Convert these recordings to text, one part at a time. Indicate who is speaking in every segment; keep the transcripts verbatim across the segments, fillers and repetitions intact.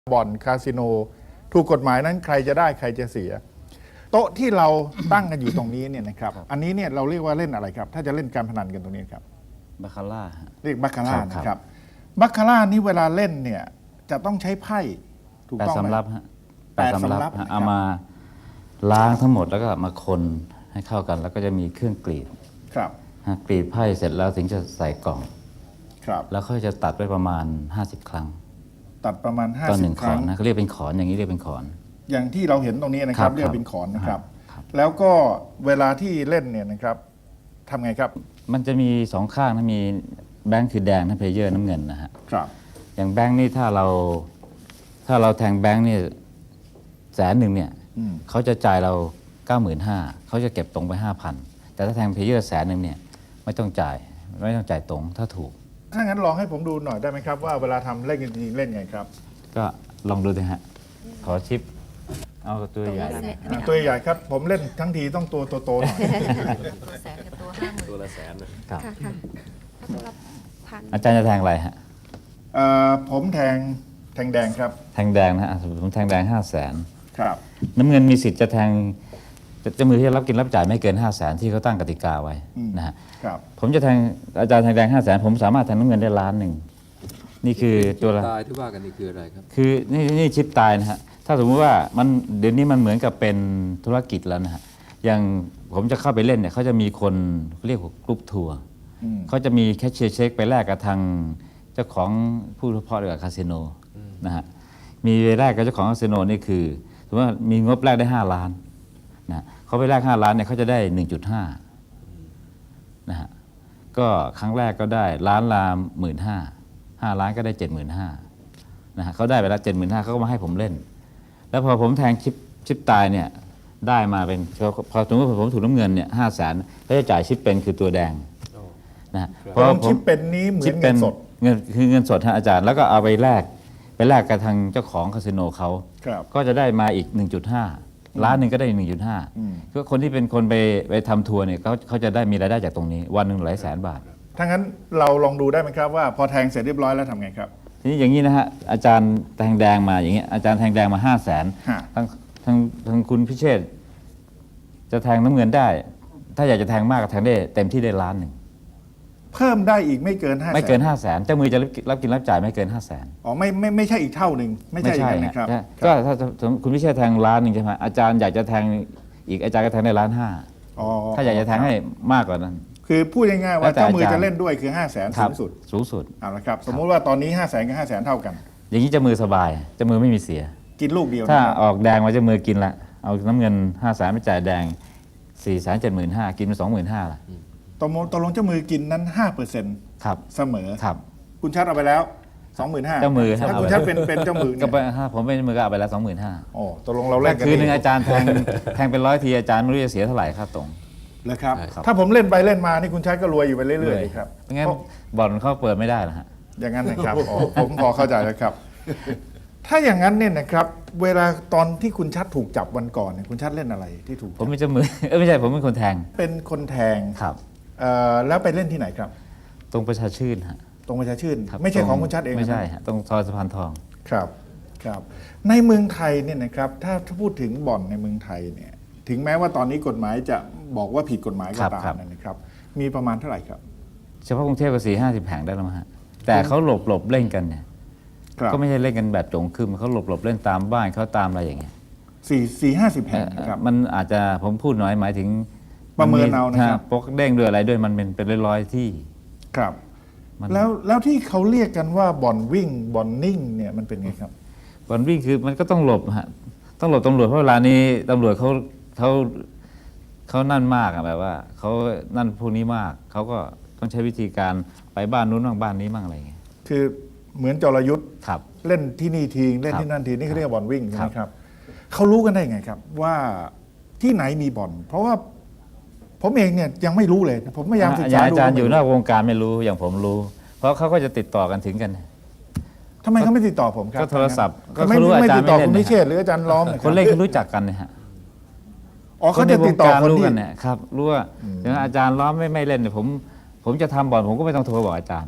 Speaker 1: บ่อนคาสิโนถูกกฎหมายนั้นใครจะได้ใครจะเสีย โต๊ะที่เราตั้งกันอยู่ตรงนี้เนี่ยนะครับอันนี้เนี่ยเราเรียกว่าเล่นอะไรครับถ้าจะเล่นการพนันกันตรงนี้ครับ
Speaker 2: บาคาร่า
Speaker 1: เรียกบัคคาร่า
Speaker 2: ครับ
Speaker 1: นะครับบัคคาร่านี่เวลาเล่นเนี่ยจะต้องใช้ไพ่ถูก
Speaker 2: แปด
Speaker 1: ต้องไหม
Speaker 2: สำรับฮะ
Speaker 1: แปดสำรับ
Speaker 2: ฮะ
Speaker 1: นะครับ
Speaker 2: เอามาล้างทั้งหมดแล้วก็มาคนให้เข้ากัน แล้วก็จะมีเครื่องกรีด
Speaker 1: ครับ
Speaker 2: ฮะกรีดไพ่เสร็จแล้วถึงจะใส่กล่อง
Speaker 1: ครับ
Speaker 2: แล้วเขาจะตัดไปประมาณห้าสิบครั้ง
Speaker 1: ตัดประมาณ
Speaker 2: ต่อหนึ่ง
Speaker 1: ห้าสิบ
Speaker 2: ข
Speaker 1: ค
Speaker 2: อ
Speaker 1: รั้
Speaker 2: น
Speaker 1: ง
Speaker 2: นะเขาเรียกเป็นขอนอย่างนี้เรียกเป็นขอน
Speaker 1: อย่างที่เราเห็นตรงนี้นะค
Speaker 2: ครั
Speaker 1: รับบ เรียกเป็นขอนนะครับ
Speaker 2: ครับ
Speaker 1: แล้วก็เวลาที่เล่นเนี่ยนะครับทำไงครับ
Speaker 2: มันจะมีสองข้างนะมีแบงค์คือแดงนะเพลเยอร์น้ำเงินนะฮะ
Speaker 1: ครับ
Speaker 2: อย่างแบงค์นี่ถ้าเราถ้าเราแทงแบงค์นี่แสนหนึ่งเนี่ย
Speaker 1: อืม
Speaker 2: เขาจะจ่ายเราเก้าหมื่นห้าเขาจะเก็บตรงไปห้าพันแต่ถ้าแทงเพลเยอร์แสนหนึ่งเนี่ยไม่ต้องจ่ายไม่ต้องจ่ายตรงถ้าถูก
Speaker 1: ถ้างั้นลองให้ผมดูหน่อยได้ไหมครับว่าเวลาทำเล่นกันจริงๆเล่นไงครับ
Speaker 2: ก็ลองดูสิฮะ ขอชิป เอาตัวใหญ่
Speaker 1: อ่าตัวใหญ่ครับผมเล่นทั้งทีต้องตัวโตๆหน่อย
Speaker 3: ตัวแสนกับตัวห้าหมื่น
Speaker 4: ตัวละแสนน่ะ
Speaker 2: ครับ
Speaker 3: ค่ะค่ะตัวละพัน
Speaker 2: อาจารย์จะแทงอะไรฮะ
Speaker 1: เอ่อผมแทงแทงแดงครับ
Speaker 2: แทงแดงนะฮะผมแทงแดงห้าแสน
Speaker 1: ครับ
Speaker 2: น้ำเงินมีสิทธิ์จะแทงจะจะมือที่จะรับกินรับจ่ายไม่เกินห้าแสนที่เขาตั้งกติกาไว้
Speaker 1: อืม
Speaker 2: นะฮะ
Speaker 1: ครับ
Speaker 2: ผมจะแทงอาจารย์แทงแดงห้าแสนผมสามารถแทงน้ำเงินได้ล้านหนึ่งนี่คือตัวละ
Speaker 4: ตายที่ว่ากันนี่คืออะไรครับ
Speaker 2: คือนี่นี่ชิปตายนะฮะ ถ้าสมมุติว่ามันเดี๋ยวนี้มันเหมือนกับเป็นธุรกิจแล้วนะฮะ อย่างผมจะเข้าไปเล่นเนี่ยเขาจะมีคนเรียกว่ากรุ๊ปทัวร์
Speaker 1: อืม
Speaker 2: เขาจะมีแคชเชียร์เช็คไปแลกกับทางเจ้าของผู้เฉพาะเกี่ยวกับคาสิโนนะฮะ มีแลกกับเจ้าของคาสิโนนี่คือสมมติว่ามีงบแลกได้ห้าล้านนะเขาไปแลกห้าล้านเนี่ยเขาจะได้ หนึ่งจุดห้า นะฮะ ก็ครั้งแรกก็ได้ล้านละหมื่นห้าห้าล้านก็ได้เจ็ดหมื่นห้านะฮะเขาได้ไปแล้วเจ็ดหมื่นห้าเขาก็มาให้ผมเล่น แล้วพอผมแทงชิปชิปตายเนี่ยได้มาเป็นพอสมมติว่าผมถูกน้ำเงินเนี่ยห้าแสนเขาจะจ่ายชิปเป็นคือตัวแดงนะฮะ
Speaker 1: ตรงชิปเป็นนี้เหมือนเงินสด
Speaker 2: เงินคือเงินสดฮะอาจารย์แล้วก็เอาไปแลกไปแลกกับทางเจ้าของคาสิโนเขา
Speaker 1: ครับ
Speaker 2: ก็จะได้มาอีก หนึ่งจุดห้า ล้านหนึ่งก็ได้อีกหนึ่งจุดห้า
Speaker 1: อืม
Speaker 2: ก็คนที่เป็นคนไปไปทำทัวร์เนี่ยเขาเขาจะได้มีรายได้จากตรงนี้ วันหนึ่งหลายแสนบาท
Speaker 1: ถ้างั้นเราลองดูได้ไหมครับว่าพอแทงเสร็จเรียบร้อยแล้วทำไงครับ
Speaker 2: ทีนี้อย่างนี้นะฮะอาจารย์แทงแดงมาอย่างเงี้ยอาจารย์แทงแดงมาห้าแสน
Speaker 1: ฮะ
Speaker 2: ทางทางทางคุณพิเชษฐ์จะแทงน้ำเงินได้ ถ้าอยากจะแทงมากก็แทงได้เต็มที่ได้ล้านหนึ่ง
Speaker 1: เพิ่มได้อีกไม่เกินห้า
Speaker 2: ไม่เกินห้าแสนเจ้ามือจะรับรับกินรับจ่ายไม่เกินห้าแสน
Speaker 1: อ๋อไม่ไม่ไม่ใช่อีกเท่าหนึ่งไม่ใช่อย่างนั้นนะครับ
Speaker 2: ฮะ
Speaker 1: ค
Speaker 2: ก็
Speaker 1: รับ
Speaker 2: ถ้าถ้าคุณพิเชษฐ์แทงล้านหนึ่งใช่ไหมอาจารย์อยากจะแทงอีกอาจารย์ก็แทงได้ล้านห้า
Speaker 1: อ๋อ
Speaker 2: ถ้าอยากจะแทงให้มากกว่านั้น
Speaker 1: คือพูดง่ายๆ
Speaker 2: แล้
Speaker 1: ว่าว
Speaker 2: แต่
Speaker 1: เจ้ามือ
Speaker 2: อาจารย์
Speaker 1: จะเล่นด้วยคือห้าแสน
Speaker 2: ค
Speaker 1: สู
Speaker 2: รับ
Speaker 1: งสุด
Speaker 2: สูงสุด
Speaker 1: เอาละครับสมมุติว่าตอนนี้ห้าแสนกับห้าแสนเท่ากัน
Speaker 2: อย่างนี้เจ้ามือสบายเจ้ามือไม่มีเสีย
Speaker 1: กินลูกเดียว
Speaker 2: ถ้า
Speaker 1: นะครับ
Speaker 2: ออกแดงมาเจ้ามือกินละเอาน้ำเงินห้าแสนไปจ่ายแดงสี่แสนเจ็ดหมื่นห้ากินไปสองหมื่นห้าละ
Speaker 1: ตกลงตกลงเจ้ามือกินนั้นห้าเปอร์เซ็นต์
Speaker 2: ครับ
Speaker 1: เสมอ
Speaker 2: ครับ
Speaker 1: คุณชัดเอาไปแล้วสองหมื่นห้า
Speaker 2: เจ้ามือ
Speaker 1: ถ้าคุณชัดเป็นเป็นเจ้ามือ
Speaker 2: ก็
Speaker 1: เนี่ย
Speaker 2: ไปถ้าผมเป็นมือก็เอาไปแล้วสองหมื่นห้า
Speaker 1: โอ้ตกลงเราเล่นกัน
Speaker 2: คืนหนึ่ง
Speaker 1: เ
Speaker 2: อาจารย์แทงแทงเป็นร้อยทีอาจารย์ไม่รู้จะเสียเท่าไหร่ค่าตรง
Speaker 1: เลยครับ
Speaker 2: ครับ
Speaker 1: ถ้าผมเล่นไปเล่นมานี่คุณชัดก็รวยอยู่ไปเรื่อยๆเลยครับ
Speaker 2: ไม่งั้น
Speaker 1: เพราะ
Speaker 2: บ่อนเขาเปิดไม่ได้หรอกฮะ
Speaker 1: อย่างนั้นนะครับอ๋อผมพอเข้าใจแล้วครับ ถ้าอย่างนั้นเนี่ยนะครับ เวลาตอนที่คุณชัดถูกจับวันก่อนเนี่ยคุณชัดเล่นอะไรที่ถูก
Speaker 2: ผมเป็นเจ้ามือ เออไม่ใช่ผมเป็นคนแทง
Speaker 1: เป็นคนแทง
Speaker 2: ครับ
Speaker 1: เอ่อแล้วไปเล่นที่ไหนครับ
Speaker 2: ตรงประชาชื่นฮะ
Speaker 1: ตรงประชาชื่น
Speaker 2: ครับ
Speaker 1: ไม่ใช่
Speaker 2: ตร
Speaker 1: ของคุณชัดเอง
Speaker 2: ไม่ใช่
Speaker 1: นะ
Speaker 2: ฮะตรงซอยสะพานทอง
Speaker 1: ครับครับ ในเมืองไทยเนี่ยนะครับถ้าถ้าพูดถึงบ่อนในเมืองไทยเนี่ยถึงแม้ว่าตอนนี้กฎหมายจะบอกว่าผิดกฎหมายก็
Speaker 2: ครับ
Speaker 1: ตาม
Speaker 2: ครับ
Speaker 1: นะครับ มีประมาณเท่าไหร่ครับ
Speaker 2: เฉพาะกรุงเทพก็สี่ห้าสิบแห่งได้แล้วมั้งฮะแต่เขาหลบหลบเล่นกันเนี่ย
Speaker 1: ครับ
Speaker 2: ก็ไม่ใช่เล่นกันแบบโจงครึมเขาหลบหลบเล่นตามบ้านเขาตามอะไรอย่างเงี้ย
Speaker 1: สี่สี่ห้าสิบ
Speaker 2: เอ่
Speaker 1: แห่ง
Speaker 2: อ
Speaker 1: นะครับ
Speaker 2: มันอาจจะผมพูดน้อยหมายถึง
Speaker 1: ประเมินเอานะครับ
Speaker 2: ปกเด้งด้วยอะไรด้วยมันเป็นเป็นร้อยๆที่
Speaker 1: ครับ
Speaker 2: มัน
Speaker 1: แล้วแล้วที่เขาเรียกกันว่าบ่อนวิ่งบ่อนนิ่งเนี่ยมันเป็นไงครับ
Speaker 2: บอลวิ่งคือมันก็ต้องหลบฮะต้องหลบตำรวจเพราะเวลานี้ตำรวจเขาเขาเขานั่นมากอะแบบว่าเขานั่นพวกนี้มากเขาก็ต้องใช้วิธีการไปบ้านนู้นบ้างบ้านนี้บ้างอะไรอย่างเงี้ย
Speaker 1: คือเหมือนจรยุทธ์
Speaker 2: ครับ
Speaker 1: เล่นที่นี่ทีเล่น
Speaker 2: ครับ
Speaker 1: ที่นั่นทีนี่เขาเรียกว่าบ่อนวิ่งใช่ไหม
Speaker 2: ครับ
Speaker 1: ครับเขารู้กันได้ไงครับ ว่าที่ไหนมีบ่อน เพราะว่าผมเองเนี่ยยังไม่รู้เลย ผมพยายามศึก
Speaker 2: อย่า
Speaker 1: ษาง
Speaker 2: อา
Speaker 1: ดู
Speaker 2: จารย์อยู่นอกวงการไม่รู้อย่างผมรู้ เพราะเขาก็จะติดต่อกันถึงกัน
Speaker 1: ทำไมเขาไม่ติดต่อผมครับ
Speaker 2: ก็โทรศัพท์ก็
Speaker 1: ทำไม
Speaker 2: เขารู้
Speaker 1: ไม่
Speaker 2: อาจารย์
Speaker 1: ติดต่อ
Speaker 2: ไม่เล่
Speaker 1: คุ
Speaker 2: น
Speaker 1: ณ
Speaker 2: นะ
Speaker 1: พิเชษฐ์หรืออาจารย์ล้อมะรับ
Speaker 2: คนเล่นเขารู้จักกันนะฮะ
Speaker 1: อ๋อเขาจะติดต่อ
Speaker 2: ในวงการ
Speaker 1: คน
Speaker 2: รู้
Speaker 1: ที่
Speaker 2: กันเนี่ยครับรู้ว่าอย่างนั้นอาจารย์ล้อมไม่ไม่เล่นเนี่ยผมผมจะทำบ่อนผมก็ไม่ต้องโทรบอกอาจารย์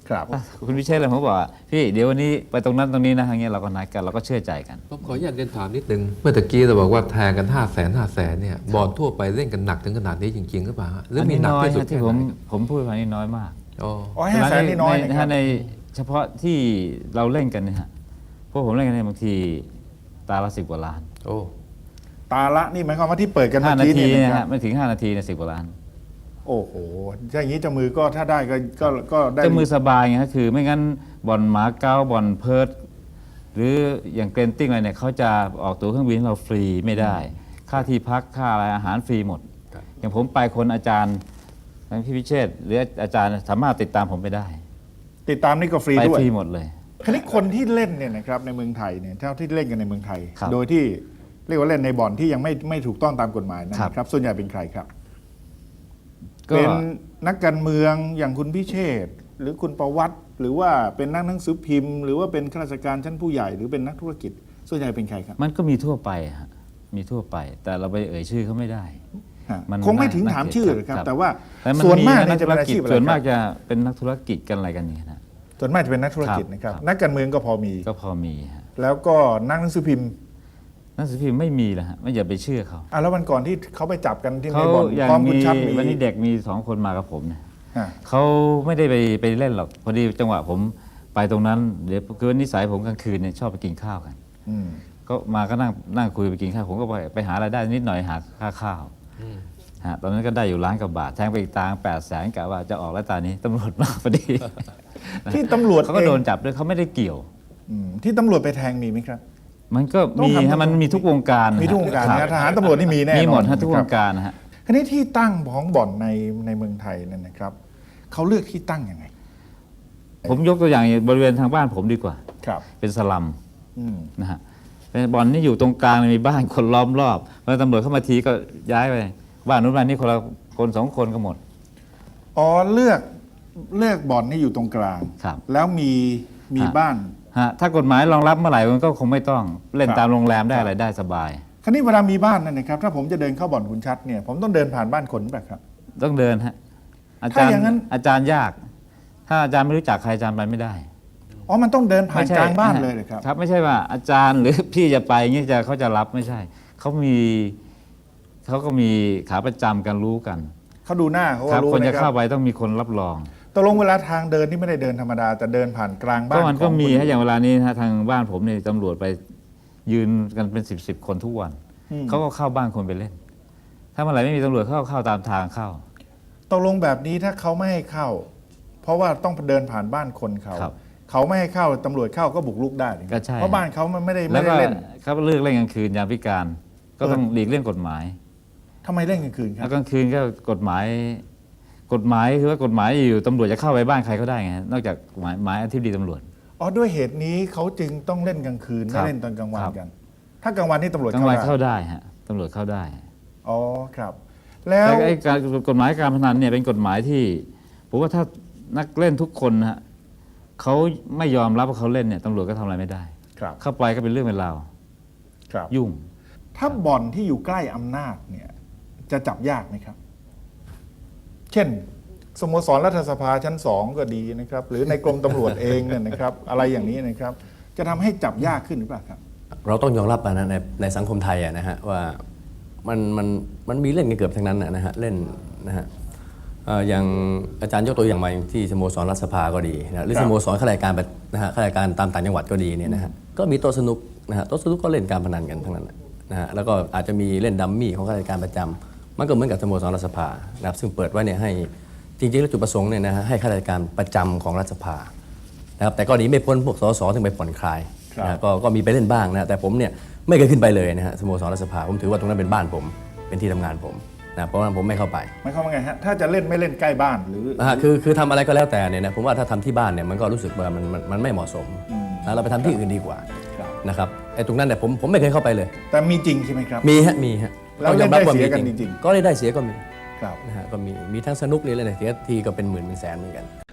Speaker 1: ครับ
Speaker 2: คุณพิเชษฐ์เลยผมบอกว่าพี่เดี๋ยววันนี้ไปตรงนั้นตรงนี้นะอย่างเงี้ยเราก็นัดกันเราก็เชื่อใจกัน
Speaker 4: ผมขออนุญาตเรียนถามนิดนึงเมื่อตะกี้เราบอกว่าแทงกันห้าแสนห้าแสนเนี่ยบอลทั่วไปเล่นกันหนักถึงขนาดนี้จริงๆหรือเปล่าฮะหรือมีหนักที่สุด
Speaker 2: อันนี้
Speaker 4: แค่
Speaker 2: น้อย
Speaker 4: ไห
Speaker 2: ฮะ
Speaker 4: น
Speaker 2: ที่ผมผมพูดไปนี่น้อยมาก
Speaker 4: อ๋อ
Speaker 1: อ๋อห้าแสนนี่น้อยนะค
Speaker 2: ใถ้า
Speaker 1: รับ
Speaker 2: ในเฉพาะที่เราเล่นกันเนี่ยฮะพวกผมเล่นกันเนี่ยบางทีตาละสิบกว่าล้าน
Speaker 4: โอ้
Speaker 1: ตาละนี่หมายความว่าที่เปิดกัน
Speaker 2: ห้า
Speaker 1: เมื่อ
Speaker 2: นา
Speaker 1: กี้
Speaker 2: ที
Speaker 1: เนี่ย
Speaker 2: นะ
Speaker 1: นะค
Speaker 2: ฮะ
Speaker 1: รับ
Speaker 2: ไม่ถึงห้านาทีเนี่ยสิบกว่าล้าน
Speaker 1: โอ้โหถ้าอย่างนี้เจะมือก็ถ้าได้ก็ก็ก็ได้
Speaker 2: เจะมือสบายไงฮะคือไม่งั้นบอลหมาเก้าบอลเพิร์ดหรืออย่างเกรนติ้งอะไรเนี่ยเขาจะออกตัวเครื่องบินให้เราฟรีไม่ได้ ค่าที่พักค่าอะไรอาหารฟรีหมด
Speaker 4: ครับ
Speaker 2: อย่างผมไปคนอาจารย์ทั้งพี่พิเชษฐ์หรืออาจารย์สามารถติดตามผมไปได้
Speaker 1: ติดตามนี่ก็ฟรี
Speaker 2: ไป
Speaker 1: ด้วย
Speaker 2: ฟรีหมดเลย
Speaker 1: คราวนี้คนที่เล่นเนี่ยนะครับในเมืองไทยเนี่ยเท่าที่เล่นกันในเมืองไทย
Speaker 2: ครับ
Speaker 1: โดยที่เรียกว่าเล่นในบ่อนที่ยังไม่ไม่ถูกต้องตามกฎหมายนะ
Speaker 2: ครับ
Speaker 1: ครับ ส่วนใหญ่เป็นใครครับ
Speaker 2: ก็
Speaker 1: เป็นนักการเมืองอย่างคุณพิเชษฐ์หรือคุณประวัติ หรือว่าเป็นนักหนังสือพิมพ์ หรือว่าเป็นข้าราชการชั้นผู้ใหญ่หรือเป็นนักธุรกิจ ส่วนใหญ่เป็นใครครับ
Speaker 2: มันก็มีทั่วไปฮะมีทั่วไป แต่เราไปเอ่ยชื่อเขาไม่ได้
Speaker 1: ฮะ
Speaker 2: มัน
Speaker 1: คงไม่ถึง
Speaker 2: น่า
Speaker 1: ถาม
Speaker 2: น่า
Speaker 1: ชื่อ
Speaker 2: เกลียด
Speaker 1: หรอกครับ
Speaker 2: ครับ
Speaker 1: แต่ว่า
Speaker 2: แต่มัน
Speaker 1: ส่วนมาก
Speaker 2: นั
Speaker 1: เนี่ยจะ
Speaker 2: ธุ
Speaker 1: เป็
Speaker 2: ร
Speaker 1: นอา
Speaker 2: กิจ
Speaker 1: ชีพอะไร
Speaker 2: ส่วน
Speaker 1: ค
Speaker 2: มา
Speaker 1: รั
Speaker 2: ก
Speaker 1: บ
Speaker 2: จะเป็นนักธุรกิจกันอะไรกันเนี่ยนะ
Speaker 1: ส่วนมากจะเป็นนักธุรกิจ
Speaker 2: ครับ
Speaker 1: นะครับ
Speaker 2: ครับ
Speaker 1: นักการเมืองก็พอมี
Speaker 2: ก็พอมีฮะ
Speaker 1: แล้วก็นักหนังสือพิมพ์
Speaker 2: หนังสือพิมพ์ไม่มีแล้วฮะไม่อย่าไปเชื่อเขา
Speaker 1: อ่ะแล้ววันก่อนที่เขาไปจับกันที่ใน
Speaker 2: เขา
Speaker 1: บ่อน
Speaker 2: อย่าง
Speaker 1: พร้อมคุณ
Speaker 2: มี
Speaker 1: ชัดมี
Speaker 2: วันนี้เด็กมีสองคนมากับผมเนี่ย
Speaker 1: ฮะ
Speaker 2: เขาไม่ได้ไปไปเล่นหรอกพอดีจังหวะผมไปตรงนั้นเดี๋ยวคือนิสัยผมกลางคืนเนี่ยชอบไปกินข้าวกัน
Speaker 1: อืม
Speaker 2: ก็มาก็นั่งนั่งคุยไปกินข้าวผมก็ไปไปหารายได้นิดหน่อยหาค่าข้าวฮะตอนนั้นก็ได้อยู่ล้านกว่าบาทแทงไปอีกตังแปดแสนกะว่าจะออกแล้วตอนนี้ตำรวจมาพอดี
Speaker 1: ที่ตำรวจ
Speaker 2: เขาก็
Speaker 1: เอง
Speaker 2: โดนจับด้วยเขาไม่ได้เกี่ยว
Speaker 1: อืมที่ตำรวจไปแทงมีไหมครับ
Speaker 2: มันก็
Speaker 1: ต้อง
Speaker 2: มี
Speaker 1: ทำ
Speaker 2: ฮะมันมีทุกวงการนะฮะ
Speaker 1: มีทุกวงการ
Speaker 2: ค
Speaker 1: นะ
Speaker 2: บ
Speaker 1: ทหารตำรวจนี่มีแน่นอน
Speaker 2: มีหมดฮะทุกว
Speaker 1: ค
Speaker 2: ง
Speaker 1: บ
Speaker 2: การนะฮะ
Speaker 1: คราวนี้ที่ตั้งของบ่อนในในเมืองไทยเนี่ยนะครับเขาเลือกที่ตั้งยังไง
Speaker 2: ผมยกตัวอย่างบริเวณทางบ้านผมดีกว่า
Speaker 1: ครับ
Speaker 2: เป็นสลัม
Speaker 1: อืม
Speaker 2: นะฮะเป็นบ่อนนี่อยู่ตรงกลางมีบ้านคนล้อมรอบพอตำรวจเข้ามาทีก็ย้ายไปบ้านนู้นบ้านนี้คนละคนสองคนก็หมด
Speaker 1: อ๋อเลือกเลือกบ่อนนี่อยู่ตรงกลาง
Speaker 2: ครับ
Speaker 1: แล้วมีมี
Speaker 2: ฮะ
Speaker 1: บ้าน
Speaker 2: ฮะถ้ากฎหมายรองรับเมื่อไหร่มันก็คงไม่ต้องเล่น
Speaker 1: ครับ
Speaker 2: ตามโรงแรมได้อะไรได้สบาย
Speaker 1: คราวนี้เวลามีบ้านนั่นนะครับถ้าผมจะเดินเข้าบ่อนคุณชัดเนี่ยผมต้องเดินผ่านบ้านคนแบบครับ
Speaker 2: ต้องเดินฮะอา
Speaker 1: ถ้า
Speaker 2: จารย์
Speaker 1: อย่างนั้น
Speaker 2: อาจารย์ยาก ถ้าอาจารย์ไม่รู้จักใครอาจารย์ไปไม่ได้
Speaker 1: อ๋อมันต้องเดินผ่าน
Speaker 2: ไม่ใช่
Speaker 1: กลางบ้านเลยเลยครับ
Speaker 2: ครับ ไม่ใช่ว่าอาจารย์หรือ พี่จะไปอย่างนี้จะเขาจะรับไม่ใช่เขามีเขาก็มีขาประจำกันรู้กัน
Speaker 1: เขาดูหน้าเขา
Speaker 2: ครั
Speaker 1: ก็
Speaker 2: บ
Speaker 1: รู้
Speaker 2: คนจะ
Speaker 1: นะครั
Speaker 2: เข้า
Speaker 1: บ
Speaker 2: ไปต้องมีคนรับรอง
Speaker 1: ตกลงเวลาทางเดินนี่ไม่ได้เดินธรรมดาแต่เดินผ่านกลางบ้า
Speaker 2: ก็
Speaker 1: น
Speaker 2: มันก็
Speaker 1: ข
Speaker 2: มี
Speaker 1: คน
Speaker 2: ฮะอย่างเวลานี้นะฮะทางบ้านผมเนี่ยตำรวจไปยืนกันเป็นสิบสิบคนทุกวัน
Speaker 1: อืม
Speaker 2: เขาก็เข้าบ้านคนไปเล่น ถ้าเมื่อไหร่ไม่มีตำรวจเข้าเข้าตามทางเข้า
Speaker 1: ตกลงแบบนี้ถ้าเขาไม่ให้เข้า เพราะว่าต้องเดินผ่านบ้านคนเขา
Speaker 2: ครับ
Speaker 1: เขาไม่ให้เข้าตำรวจเข้าก็บุกรุกได้นะครับ
Speaker 2: ก็ใช่
Speaker 1: เพราะบ้านเขามันไม่ได้
Speaker 2: แล้
Speaker 1: ไม่
Speaker 2: ว
Speaker 1: ได้
Speaker 2: ก็
Speaker 1: เล่น
Speaker 2: เขาเลือกเล่นกลางคืนยามพิการ ก็ต้อง
Speaker 1: เออ
Speaker 2: หลีกเลี่ยงกฎหมาย
Speaker 1: ทำไมเล่นกลางคืนครั
Speaker 2: แล้
Speaker 1: บ
Speaker 2: วกลางคืนก็กฎหมาย กฎหมายคือว่ากฎหมายอยู่ตำรวจจะเข้าไปบ้านใครก็ได้ไงนอกจากหมายหมายอธิบดีตำรวจ
Speaker 1: อ๋อด้วยเหตุนี้เขาจึงต้องเล่นกลางคืน
Speaker 2: ครั
Speaker 1: ไม่
Speaker 2: บ
Speaker 1: เล่นตอนกลางวัน
Speaker 2: ครับ
Speaker 1: กัน ถ้ากลางวันนี่ตำรวจ
Speaker 2: กลาง
Speaker 1: เข้า
Speaker 2: วัน
Speaker 1: ได้
Speaker 2: เข้าได้ฮะตำรวจเข้าได้
Speaker 1: อ๋อครับ แล้ว
Speaker 2: แต่ไอ้การกฎหมายการพนันเนี่ยเป็นกฎหมายที่ผมว่าถ้านักเล่นทุกคนนะฮะเขาไม่ยอมรับว่าเขาเล่นเนี่ยตำรวจก็ทำอะไรไม่ได้
Speaker 1: ครับ
Speaker 2: เข้าไปก็เป็นเรื่องเป็นราว
Speaker 1: ครับ
Speaker 2: ยุ่ง
Speaker 1: ถ้าบ่อนที่อยู่ใกล้อำนาจเนี่ยจะจับยากไหมครับ เช่น สโมสรรัฐสภาชั้นสองก็ดีนะครับ หรือในกรมตำรวจเองเนี่ยนะครับ อะไรอย่างนี้นะครับ จะทำให้จับยากขึ้นหรือเปล่าครับ
Speaker 5: เราต้องยอมรับนะในในสังคมไทยอะนะฮะว่ามันมันมันมีเล่นกันเกือบทั้งนั้นนะนะฮะเล่นนะฮะเอ่ออย่างอาจารย์ยกตัวอย่างมาอย่างที่สโมสรรัฐสภาก็ดีนะหรือ
Speaker 1: ครับ
Speaker 5: สโมสรข้าราชการแบบนะฮะข้าราชการตามต่างจังหวัดก็ดีเนี่ยนะฮะก็มีโต๊ะสนุกนะฮะโต๊ะสนุกก็เล่นการพนันกันทั้งนั้นนะฮะแล้วก็อาจจะมีเล่นดัมมี่ของข้าราชการประจำมันก็เหมือนกับสโมสรรัฐสภานะครับซึ่งเปิดไว้เนี่ยให้จริงๆแล้วจุดประสงค์เนี่ยนะฮะให้ข้าราชการประจำของรัฐสภานะครับแต่ก็หนีไม่พ้นพวกสสถึงไปผ่อนคลาย
Speaker 1: ครับ
Speaker 5: นะฮะก็ก็มีไปเล่นบ้างนะแต่ผมเนี่ยไม่เคยขึ้นไปเลยนะฮะสโมสรรัฐสภาผมถือว่าตรงนั้นเป็นบ้านผมเป็นที่ทำงานผมนะเพราะฉะนั้นผมไม่เข้าไป
Speaker 1: หมายความว่าไงฮะ ถ้าจะเล่นไม่เล่นใกล้บ้านหรือ
Speaker 5: นะฮะคือคือทำอะไรก็แล้วแต่เนี่ยนะผมว่าถ้าทำที่บ้านเนี่ยมันก็รู้สึกว่ามันมันมันไม่เหมาะสมนะเราไปทำที่อื่นดีกว่า
Speaker 1: ครับ
Speaker 5: นะครับไอ้ตรงนั้นเนี่ยผมผมไม่เคยเข้าไปเลย
Speaker 1: แต่มีจริงใช่ไหมครับ
Speaker 5: มีฮะมีฮะ
Speaker 1: แล้ว
Speaker 5: ต้องยอมรับว่า
Speaker 1: เล่
Speaker 5: มี
Speaker 1: นได้เสียกันจริงๆ
Speaker 5: ก็ได้ได้เสียก็มี
Speaker 1: ครับ
Speaker 5: นะฮะก็มีมีทั้งสนุกนี่เลยนะเสียทีก็เป็นหมื่นเป็นแสนเหมือนกัน